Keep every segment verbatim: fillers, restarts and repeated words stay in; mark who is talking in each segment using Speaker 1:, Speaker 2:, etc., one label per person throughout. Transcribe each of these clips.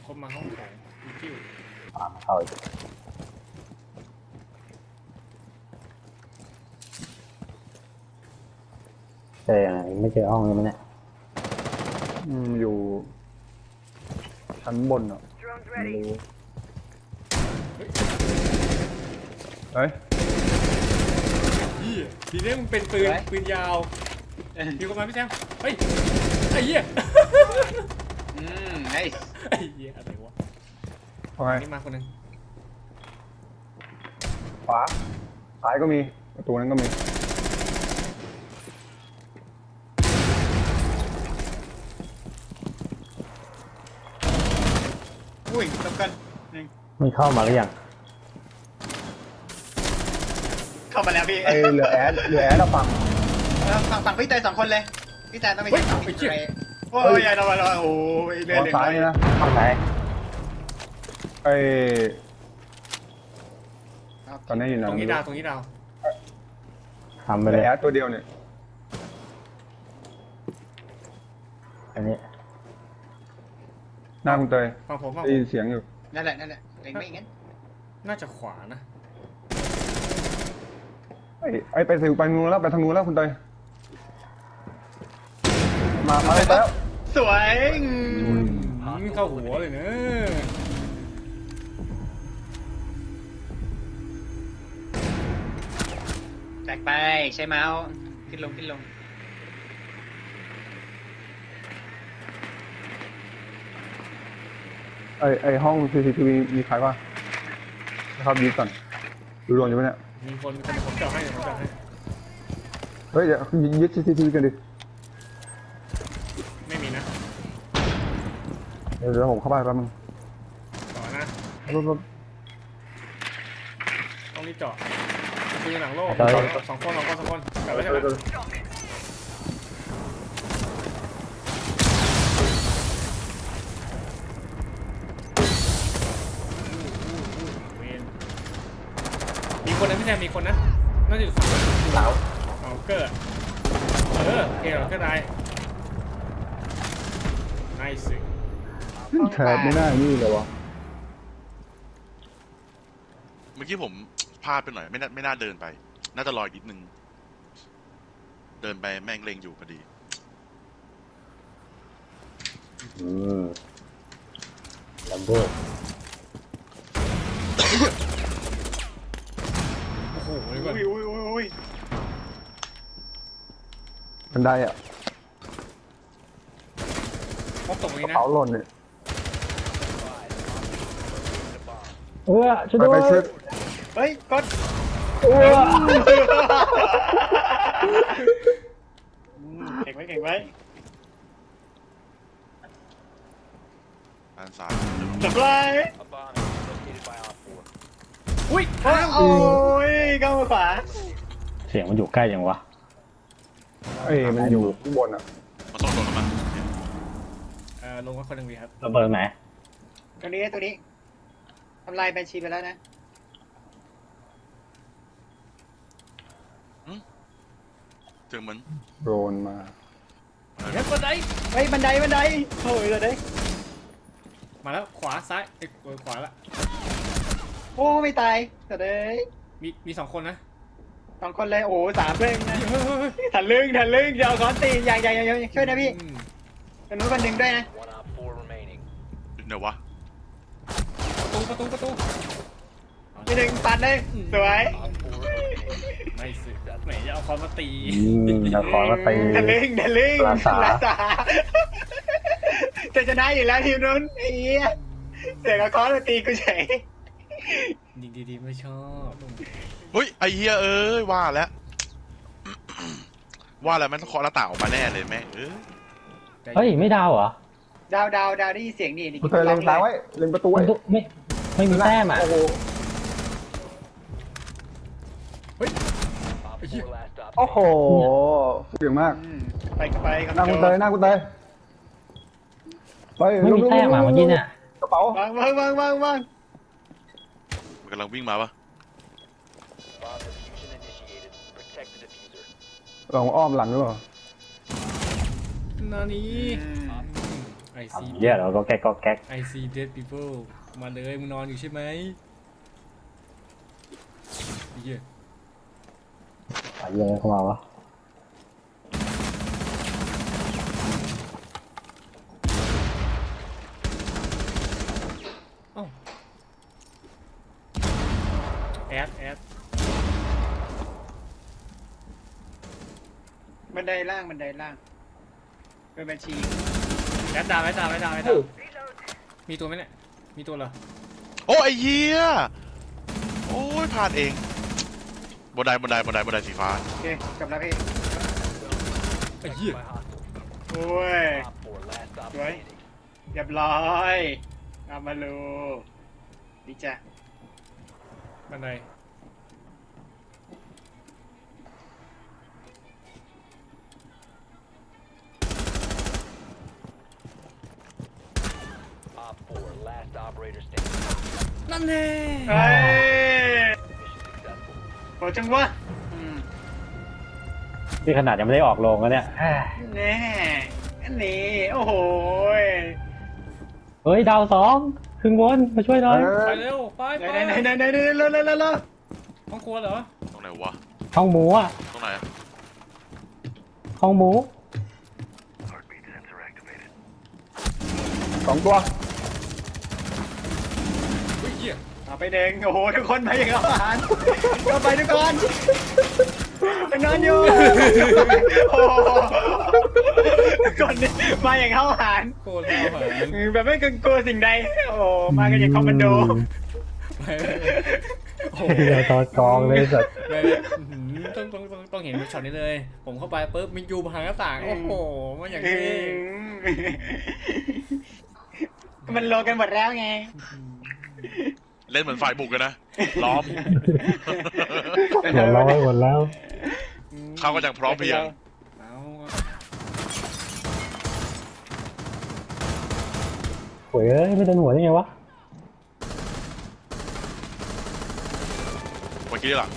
Speaker 1: คนมาห้องของจิ้ว
Speaker 2: ตามเข้าอีกเจอยังไงไม่เจอห้องนี้มั้ยเนี่ย
Speaker 3: อืมอยู่ชั้นบนอ่ะไม่รู้เฮ้ย
Speaker 1: ยี่ทีนี้มึงเป็นปืนปืนยาวมีคนมาพี่แซมเฮ้ยไอ้เหี้ย
Speaker 4: อืมไนส์
Speaker 1: ไอ้เหี้ยอะไรวะ
Speaker 3: เอาไง
Speaker 1: นี่มาคนหนึ่ง
Speaker 3: ขวาซ้ายก็มีประตูนั้นก็มี
Speaker 4: อุ้ยตบกันหนึ่ง
Speaker 2: มันเข้ามาหรือยัง
Speaker 4: เข้ามาแล้วพี่
Speaker 3: ไอเหลือแอดเหลือแอดเราฟัง
Speaker 4: เออฝั่งฝั่งพี่เตยสองคนเลยพี่แตนต้องไป
Speaker 1: เฮ้ย
Speaker 4: ฝั่ง
Speaker 1: ไอ้
Speaker 4: พี่
Speaker 1: เหี้ย
Speaker 4: เตยโอ้ยอย่าระวังระวังโอ้ยเรื่
Speaker 3: ข
Speaker 4: อ
Speaker 3: อย ซ้ายนี่นะ
Speaker 2: ห้องไหน
Speaker 3: ไอตอนนี้อยู่ไหน
Speaker 1: ตรงนี้
Speaker 3: ไม่
Speaker 1: ดาวตรงนี้ดาว
Speaker 2: ทำไป
Speaker 3: เหลื
Speaker 2: เล
Speaker 3: อย แอดตัวเดียวเนี่ย
Speaker 2: อันนี้
Speaker 3: หน้าคุณเตย
Speaker 1: ฟังผมฟัง
Speaker 3: ได้
Speaker 1: ผม
Speaker 3: ยินเสียงอยู่
Speaker 4: นั่นแหละนั่นแหละเองไม่งั้น
Speaker 1: น่าจะขวานะ
Speaker 3: ไอไอไปถึงไปทางนู้นแล้วไปทางนู้นแล้วคุณเตยมามาเลยแล้ว
Speaker 4: สวย
Speaker 1: อืมเข้าหัวเลยเนอะ
Speaker 4: แตกไปใช้เมาส์ขึ้นลงขึ้นลง
Speaker 3: ไอไอห้อง ซี ซี ที วี มีใครวะนะครับดีก่อนดูดวงอยู่ปะเนี่ย
Speaker 1: มีคนมีคนผมเจาะให้ผมเจาะให้
Speaker 3: เฮ้ยเดี๋ยวยึด ซี ซี ที วี กันดิ
Speaker 1: ไม่มีนะ
Speaker 3: เดี๋ยวเดี๋ยวผมเข้าไปแป๊บนึง
Speaker 1: ต่อนะ
Speaker 3: ปุ๊บปุ๊บ
Speaker 1: ต้องรีบเจาะคือหลังโลก
Speaker 2: ต่อ
Speaker 1: สองคนสองคนสองคนกลับไปใช่ไหมมีคนนะพี่แซมมีคนนะน่าจะอยู่ฝั่งเสาเอาเกิดเออเกลก็ได้ไนส์
Speaker 3: แถบไม่น่านี่เลยวะ
Speaker 5: เมื่อกี้ผมพลาดไปหน่อยไม่น่าไม่น่าเดินไป น่าจะรออีกนิดนึง เดินไปแม่งเลงอยู่พอดี
Speaker 2: อืมลัมโบ
Speaker 1: โอ้โหเดี๋ยวก่อน
Speaker 4: อุ้ยอุ้ยอุ้ยอุ้ย
Speaker 3: บันไดอ่ะ
Speaker 1: พบตรง
Speaker 3: ก
Speaker 1: นี้
Speaker 3: ระ
Speaker 1: นะ
Speaker 3: เป๋าหล่นเนี่ย
Speaker 2: เออช่วย
Speaker 3: ไป
Speaker 2: ด้ว
Speaker 3: ไป
Speaker 2: ย
Speaker 3: ช่วย
Speaker 4: เฮ้ยกด
Speaker 2: เออ
Speaker 4: อืมเก่งไว้เก่งไว้
Speaker 5: ด้านซ้าย
Speaker 4: จับไล่
Speaker 1: อุ้ย
Speaker 4: โอ้ยโอ้ยเข้ามาขวา
Speaker 2: เสียงมันอยู่ใกล้ยังวะ
Speaker 3: เอ้ยมันอยู่ข้างบนอ่ะ
Speaker 5: มาส่งโดนมา
Speaker 1: เอ่อลงมาคนหนึ่งวีครับ
Speaker 2: ระเบิดไหน
Speaker 4: ตัวนี้ตัวนี้ทำลายแบนชีไปแล้วนะ
Speaker 5: เจอเหมือน
Speaker 3: โดนมา
Speaker 1: เฮ้ยบันได
Speaker 4: เฮ้ยบันไดบันไดโอ้ยบันได
Speaker 1: มาแล้วขวาซ้ายเอ้ยขวาละ
Speaker 4: โอ้ไม่ตายแต่เด้ย
Speaker 1: มีมีสองคนนะ
Speaker 4: สองคนเลยโอ้สามเรื่องนะ
Speaker 1: เฮ้ยเฮ้ยเฮ้ย
Speaker 4: ถันลึงถันลึงเดี๋ยวเอาค้อนตีอย่างอย่างอย่างช่วยนะพี่
Speaker 1: อืม
Speaker 4: คนนู้นคนหนึ่งด้วยนะ
Speaker 5: เดี๋ยววะ
Speaker 1: ประตูประตูประตู
Speaker 4: พี่หนึ่งปัดเลยสวย
Speaker 1: ไม่สิแหมจะเอาคอนมาตี
Speaker 2: อืมนครมาตี
Speaker 4: ถันลึงถันลึง
Speaker 2: ลาสา
Speaker 4: สาจะชนะอยู่แล้วทีมนู้นไอ้เหี้ยเสียงเอาค้อนมาตีกูเฉย
Speaker 1: ดีดีดีไม่ชอบ
Speaker 5: เฮ้ยไอเฮียเอ้ยว่าแล้ว ว่าแล้วมันต้องเคาะหน้าต่างออกมาแน่เลยแม่งเอ้ย
Speaker 2: เฮ้ยไม่ดาวเหรอ
Speaker 4: ดาวดาวดาวได้ยินเสียงนี่นี่
Speaker 3: คุณเตยเล็งซ้ายไว้เล็งประตู
Speaker 2: มั
Speaker 3: ไว้
Speaker 2: นตุไม่ไม่มีแต้มอ่ะ
Speaker 3: โอ้โห
Speaker 1: เฮ้ยไอ้เหี้ย
Speaker 3: โอ้โหเสียงมาก
Speaker 4: อืมไปก็ไปครับ
Speaker 3: หน้าคุณเตยหน้าคุณเตยไป
Speaker 2: ไม่มีแต้มอ่ะเมื่อกี้เนี่ย
Speaker 3: กระเป๋าว
Speaker 4: างวางวางวางวาง
Speaker 5: มันกำลังวิ่งมาปะ
Speaker 3: ลองอ้อมหลังหรือเปล่า
Speaker 1: นานี้
Speaker 4: อืม
Speaker 1: ไอซี
Speaker 2: ทำเหี้ยเราก็แก๊กก็แก๊ก
Speaker 1: ไอซี dead people มาเลยมึงนอนอยู่ใช่ไหมเหี้ย
Speaker 2: อะไรเหี้ยเข้ามาวะ
Speaker 1: เอ้าแอดแอด
Speaker 4: บันไดล่างบันไดล่างเป็นบัญชี
Speaker 1: แอดดาวแอดดาวแอดดาวแอดดาวมีตัวไหมเนี่ยมีตัวเหรอ
Speaker 5: โอ้ไอ้เหี้ยโอ้ยพลาดเองบนไดบนไดบนไดบนไดสีฟ้า
Speaker 4: โอเคกลับแล้วพี่
Speaker 1: ไอ้เหี้ย
Speaker 4: โอ้ยสวยเรียบร้อยอามาลูดีจ้ะ
Speaker 1: บันได นั่นแน่
Speaker 4: เฮ้ยโหจังวะอืม
Speaker 2: ที่ขนาดยังไม่ได้ออกโรงแล้วเนี่ย
Speaker 4: แน่อันนี้โอ้โหย
Speaker 2: เฮ้ยดาวสองครึ่งบนมาช่วยหน่อย
Speaker 1: ไปเร็วไป
Speaker 4: ไห
Speaker 1: ไป
Speaker 4: นไหนไหนไหนไหนเร็วเร็วเร็วเร็ว
Speaker 1: ห้องครัวเหรอ
Speaker 5: ตรงไหนวะ
Speaker 2: ห้องหมูอ่ะ
Speaker 5: ตรงไหน
Speaker 2: ห้องหมู
Speaker 3: สองตัว
Speaker 1: เฮ้ยเหี้ย
Speaker 4: เอาไปเด้งโอ้โหทุกคนมาอย่างอาหารก็ไปทุกคนไปนอนอยู่โอ้โหทุกคนนี่มาอย่างเข้าอาหาร
Speaker 1: โคตรเอาหาร
Speaker 4: แบบไม่เกรงกลัวสิ่งใดโอ้โหมากันอย่างคอมมานโด
Speaker 1: ไปโอ้โห
Speaker 2: เดี๋ยวตอนกองเลยสัตว์
Speaker 1: ไปอื้อหือต้องต้องต้องต้องเห็นช็อตนี้เลย ผมเข้าไปปุ๊บมียูผ่านหน้าต่างโอ้โหมันอย่างนี้
Speaker 4: มันโลกันหมดแล้วไง
Speaker 5: เล่นเหมือนฝ่ายบุกกันนะล้อม
Speaker 2: เดี๋ยวร้อยหมดแล้ว
Speaker 5: เขาก็ยังพร้อมเพรียง
Speaker 1: เอา
Speaker 2: โอ้ยเอ้ยไม่โดนหัวได้ไงวะ
Speaker 5: เมื่อกี้หลัง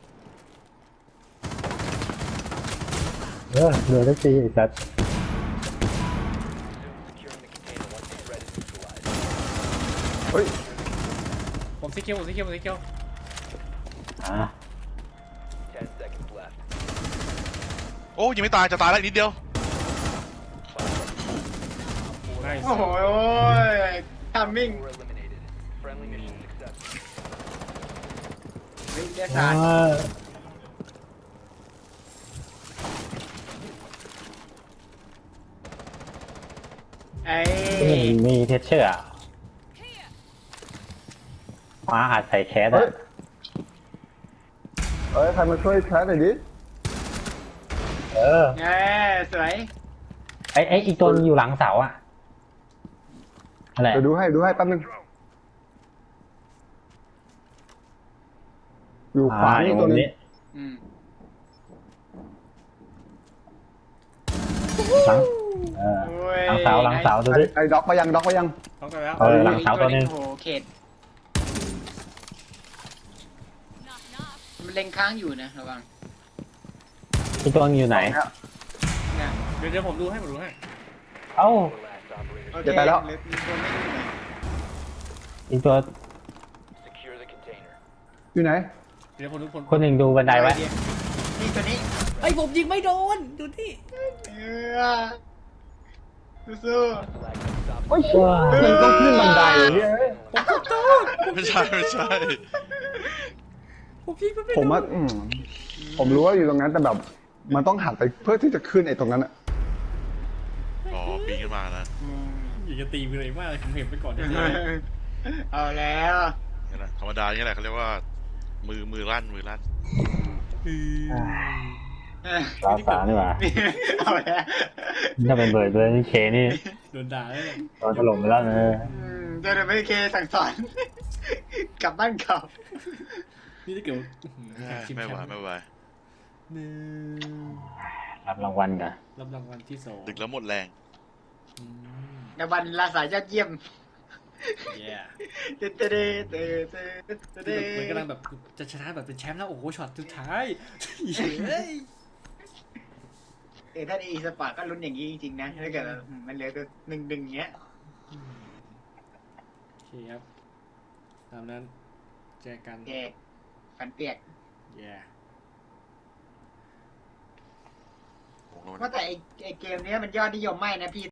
Speaker 2: เออเดือดได้ตีไอ้สัตว์
Speaker 3: เฮ้ย
Speaker 1: ผมซิเคียวผมซิเคียวผมซิเคียว
Speaker 2: อ่า
Speaker 5: โอ้ยังไม่ตายจะตายแล้วอีกนิดเดียว
Speaker 1: ได้
Speaker 4: โอ้โหทัมมิ่งวิทยาศาสตร์
Speaker 2: อ่า
Speaker 4: ไอ้
Speaker 2: มีมีเทสเชอร์อะมาอัดใส่แคส
Speaker 3: เฮ้ย
Speaker 2: อ่ะ
Speaker 3: เฮ้ยใครมาช่วยแคสหน่อยดิ
Speaker 2: เออ
Speaker 4: แง่สวย
Speaker 2: ไอ้ไอ้อีกตัวนึงอยู่หลังเสาอ่ะอะไร
Speaker 3: เดี๋ยวดูให้ดูให้แป๊บนึงอยู่ขวา
Speaker 2: อ่าอ
Speaker 3: นี่
Speaker 2: ยู่
Speaker 3: ตัว
Speaker 2: มุม
Speaker 3: นึง
Speaker 2: นี้
Speaker 4: อืม
Speaker 2: หลังเออ
Speaker 4: โอ้ย
Speaker 2: หลังเสาหลังเสาดู
Speaker 3: ไอ้
Speaker 2: ดิ
Speaker 3: ไอ้ด็อกมายังด็อกมายัง
Speaker 1: ต้องกันแล้ว
Speaker 2: เออหลังเสาตัวนึง
Speaker 4: โอ้โหเขตมันเล็งค้างอยู่นะระวัง
Speaker 2: อีกตัวนึงอยู่ไหน
Speaker 4: เนี่ย
Speaker 1: เดี๋ยวเดี๋ยวผมดูให้ผมดูให้
Speaker 2: เอ้า
Speaker 4: โอเค
Speaker 3: จะตายแล้ว
Speaker 4: เหอมีตัวไม่อยู่ไหน
Speaker 2: อีกตัว
Speaker 3: อยู่ไหน
Speaker 1: เดี๋ยวผมดูคน
Speaker 2: คนหนึ่งดูบันไดไว้
Speaker 4: นี่ตัวนี้
Speaker 1: ไอ้ผมยิงไม่โดนดูที่
Speaker 4: เออสู้
Speaker 2: โอ้ยชัวร์
Speaker 3: มันต้องขึ้นบันไดเนี่ย
Speaker 1: ผมขอโทษ
Speaker 5: ไม่ใช่ไม่ใช่
Speaker 1: ผมยิงมันไม่
Speaker 3: ผม
Speaker 1: โด
Speaker 3: ว่าน อืมผมรู้ว่าอยู่ตรงนั้นแต่แบบ มันต้องหันไปเพื่อที่จะขึ้นไอ้ตรงนั้นอะ
Speaker 5: อ๋อปีนขึ้นมานะ
Speaker 4: ๆอืม
Speaker 1: อยากจะตีไปเลยมากเลยผมเห็นไปก่อนเดี๋ยว
Speaker 4: เอาแล้ว
Speaker 5: นี่แหละธรรมดาอย่างนี้แหละเขาเรียกว่า มือมือลั่นมือลั่น
Speaker 2: สาวสาวนี่หว่า
Speaker 4: เอาแล้ว
Speaker 2: ถ้าเป็นเบิร์ดเบิร์ดนี่เคนี่
Speaker 1: โดนด่าเลย
Speaker 2: โดนถล่มไปแล้วเออ
Speaker 4: อืมเดี๋ยวไม่เคสั่งสอนกลับบ้านเก่า
Speaker 1: นี่ถ้าเกิด
Speaker 5: ไม่ไหวไม่ไหว
Speaker 1: หนึ่ง
Speaker 2: รับรางวัลกัน
Speaker 1: รับรางวัลที่สอง
Speaker 5: ดึกแล้วหมดแรง
Speaker 1: อืม
Speaker 4: ในวันลาสายยอดเยี่ยม
Speaker 1: เย้
Speaker 4: เต้เต้เต้เต้เต้เต้
Speaker 1: เหมือนกำลังแบบจะชนะแบบเป็นแชมป์แล้วโอ้โหช็อตสุดท้ายเฮ้ย
Speaker 4: เออถ้าอีสปอร์ตก็ลุ้นอย่างนี้จริงๆนะถ้าเกิดมันเหลือตัวหนึ่งหนึ่งเงี้ย
Speaker 1: โอเคครับตามนั้นเจอกัน
Speaker 4: โอเคฟันเปียก
Speaker 1: แย่
Speaker 5: โอ้โห
Speaker 4: ว่าแต่ไอไอเกมเนี้ยมันยอดนิยมมากนะพี่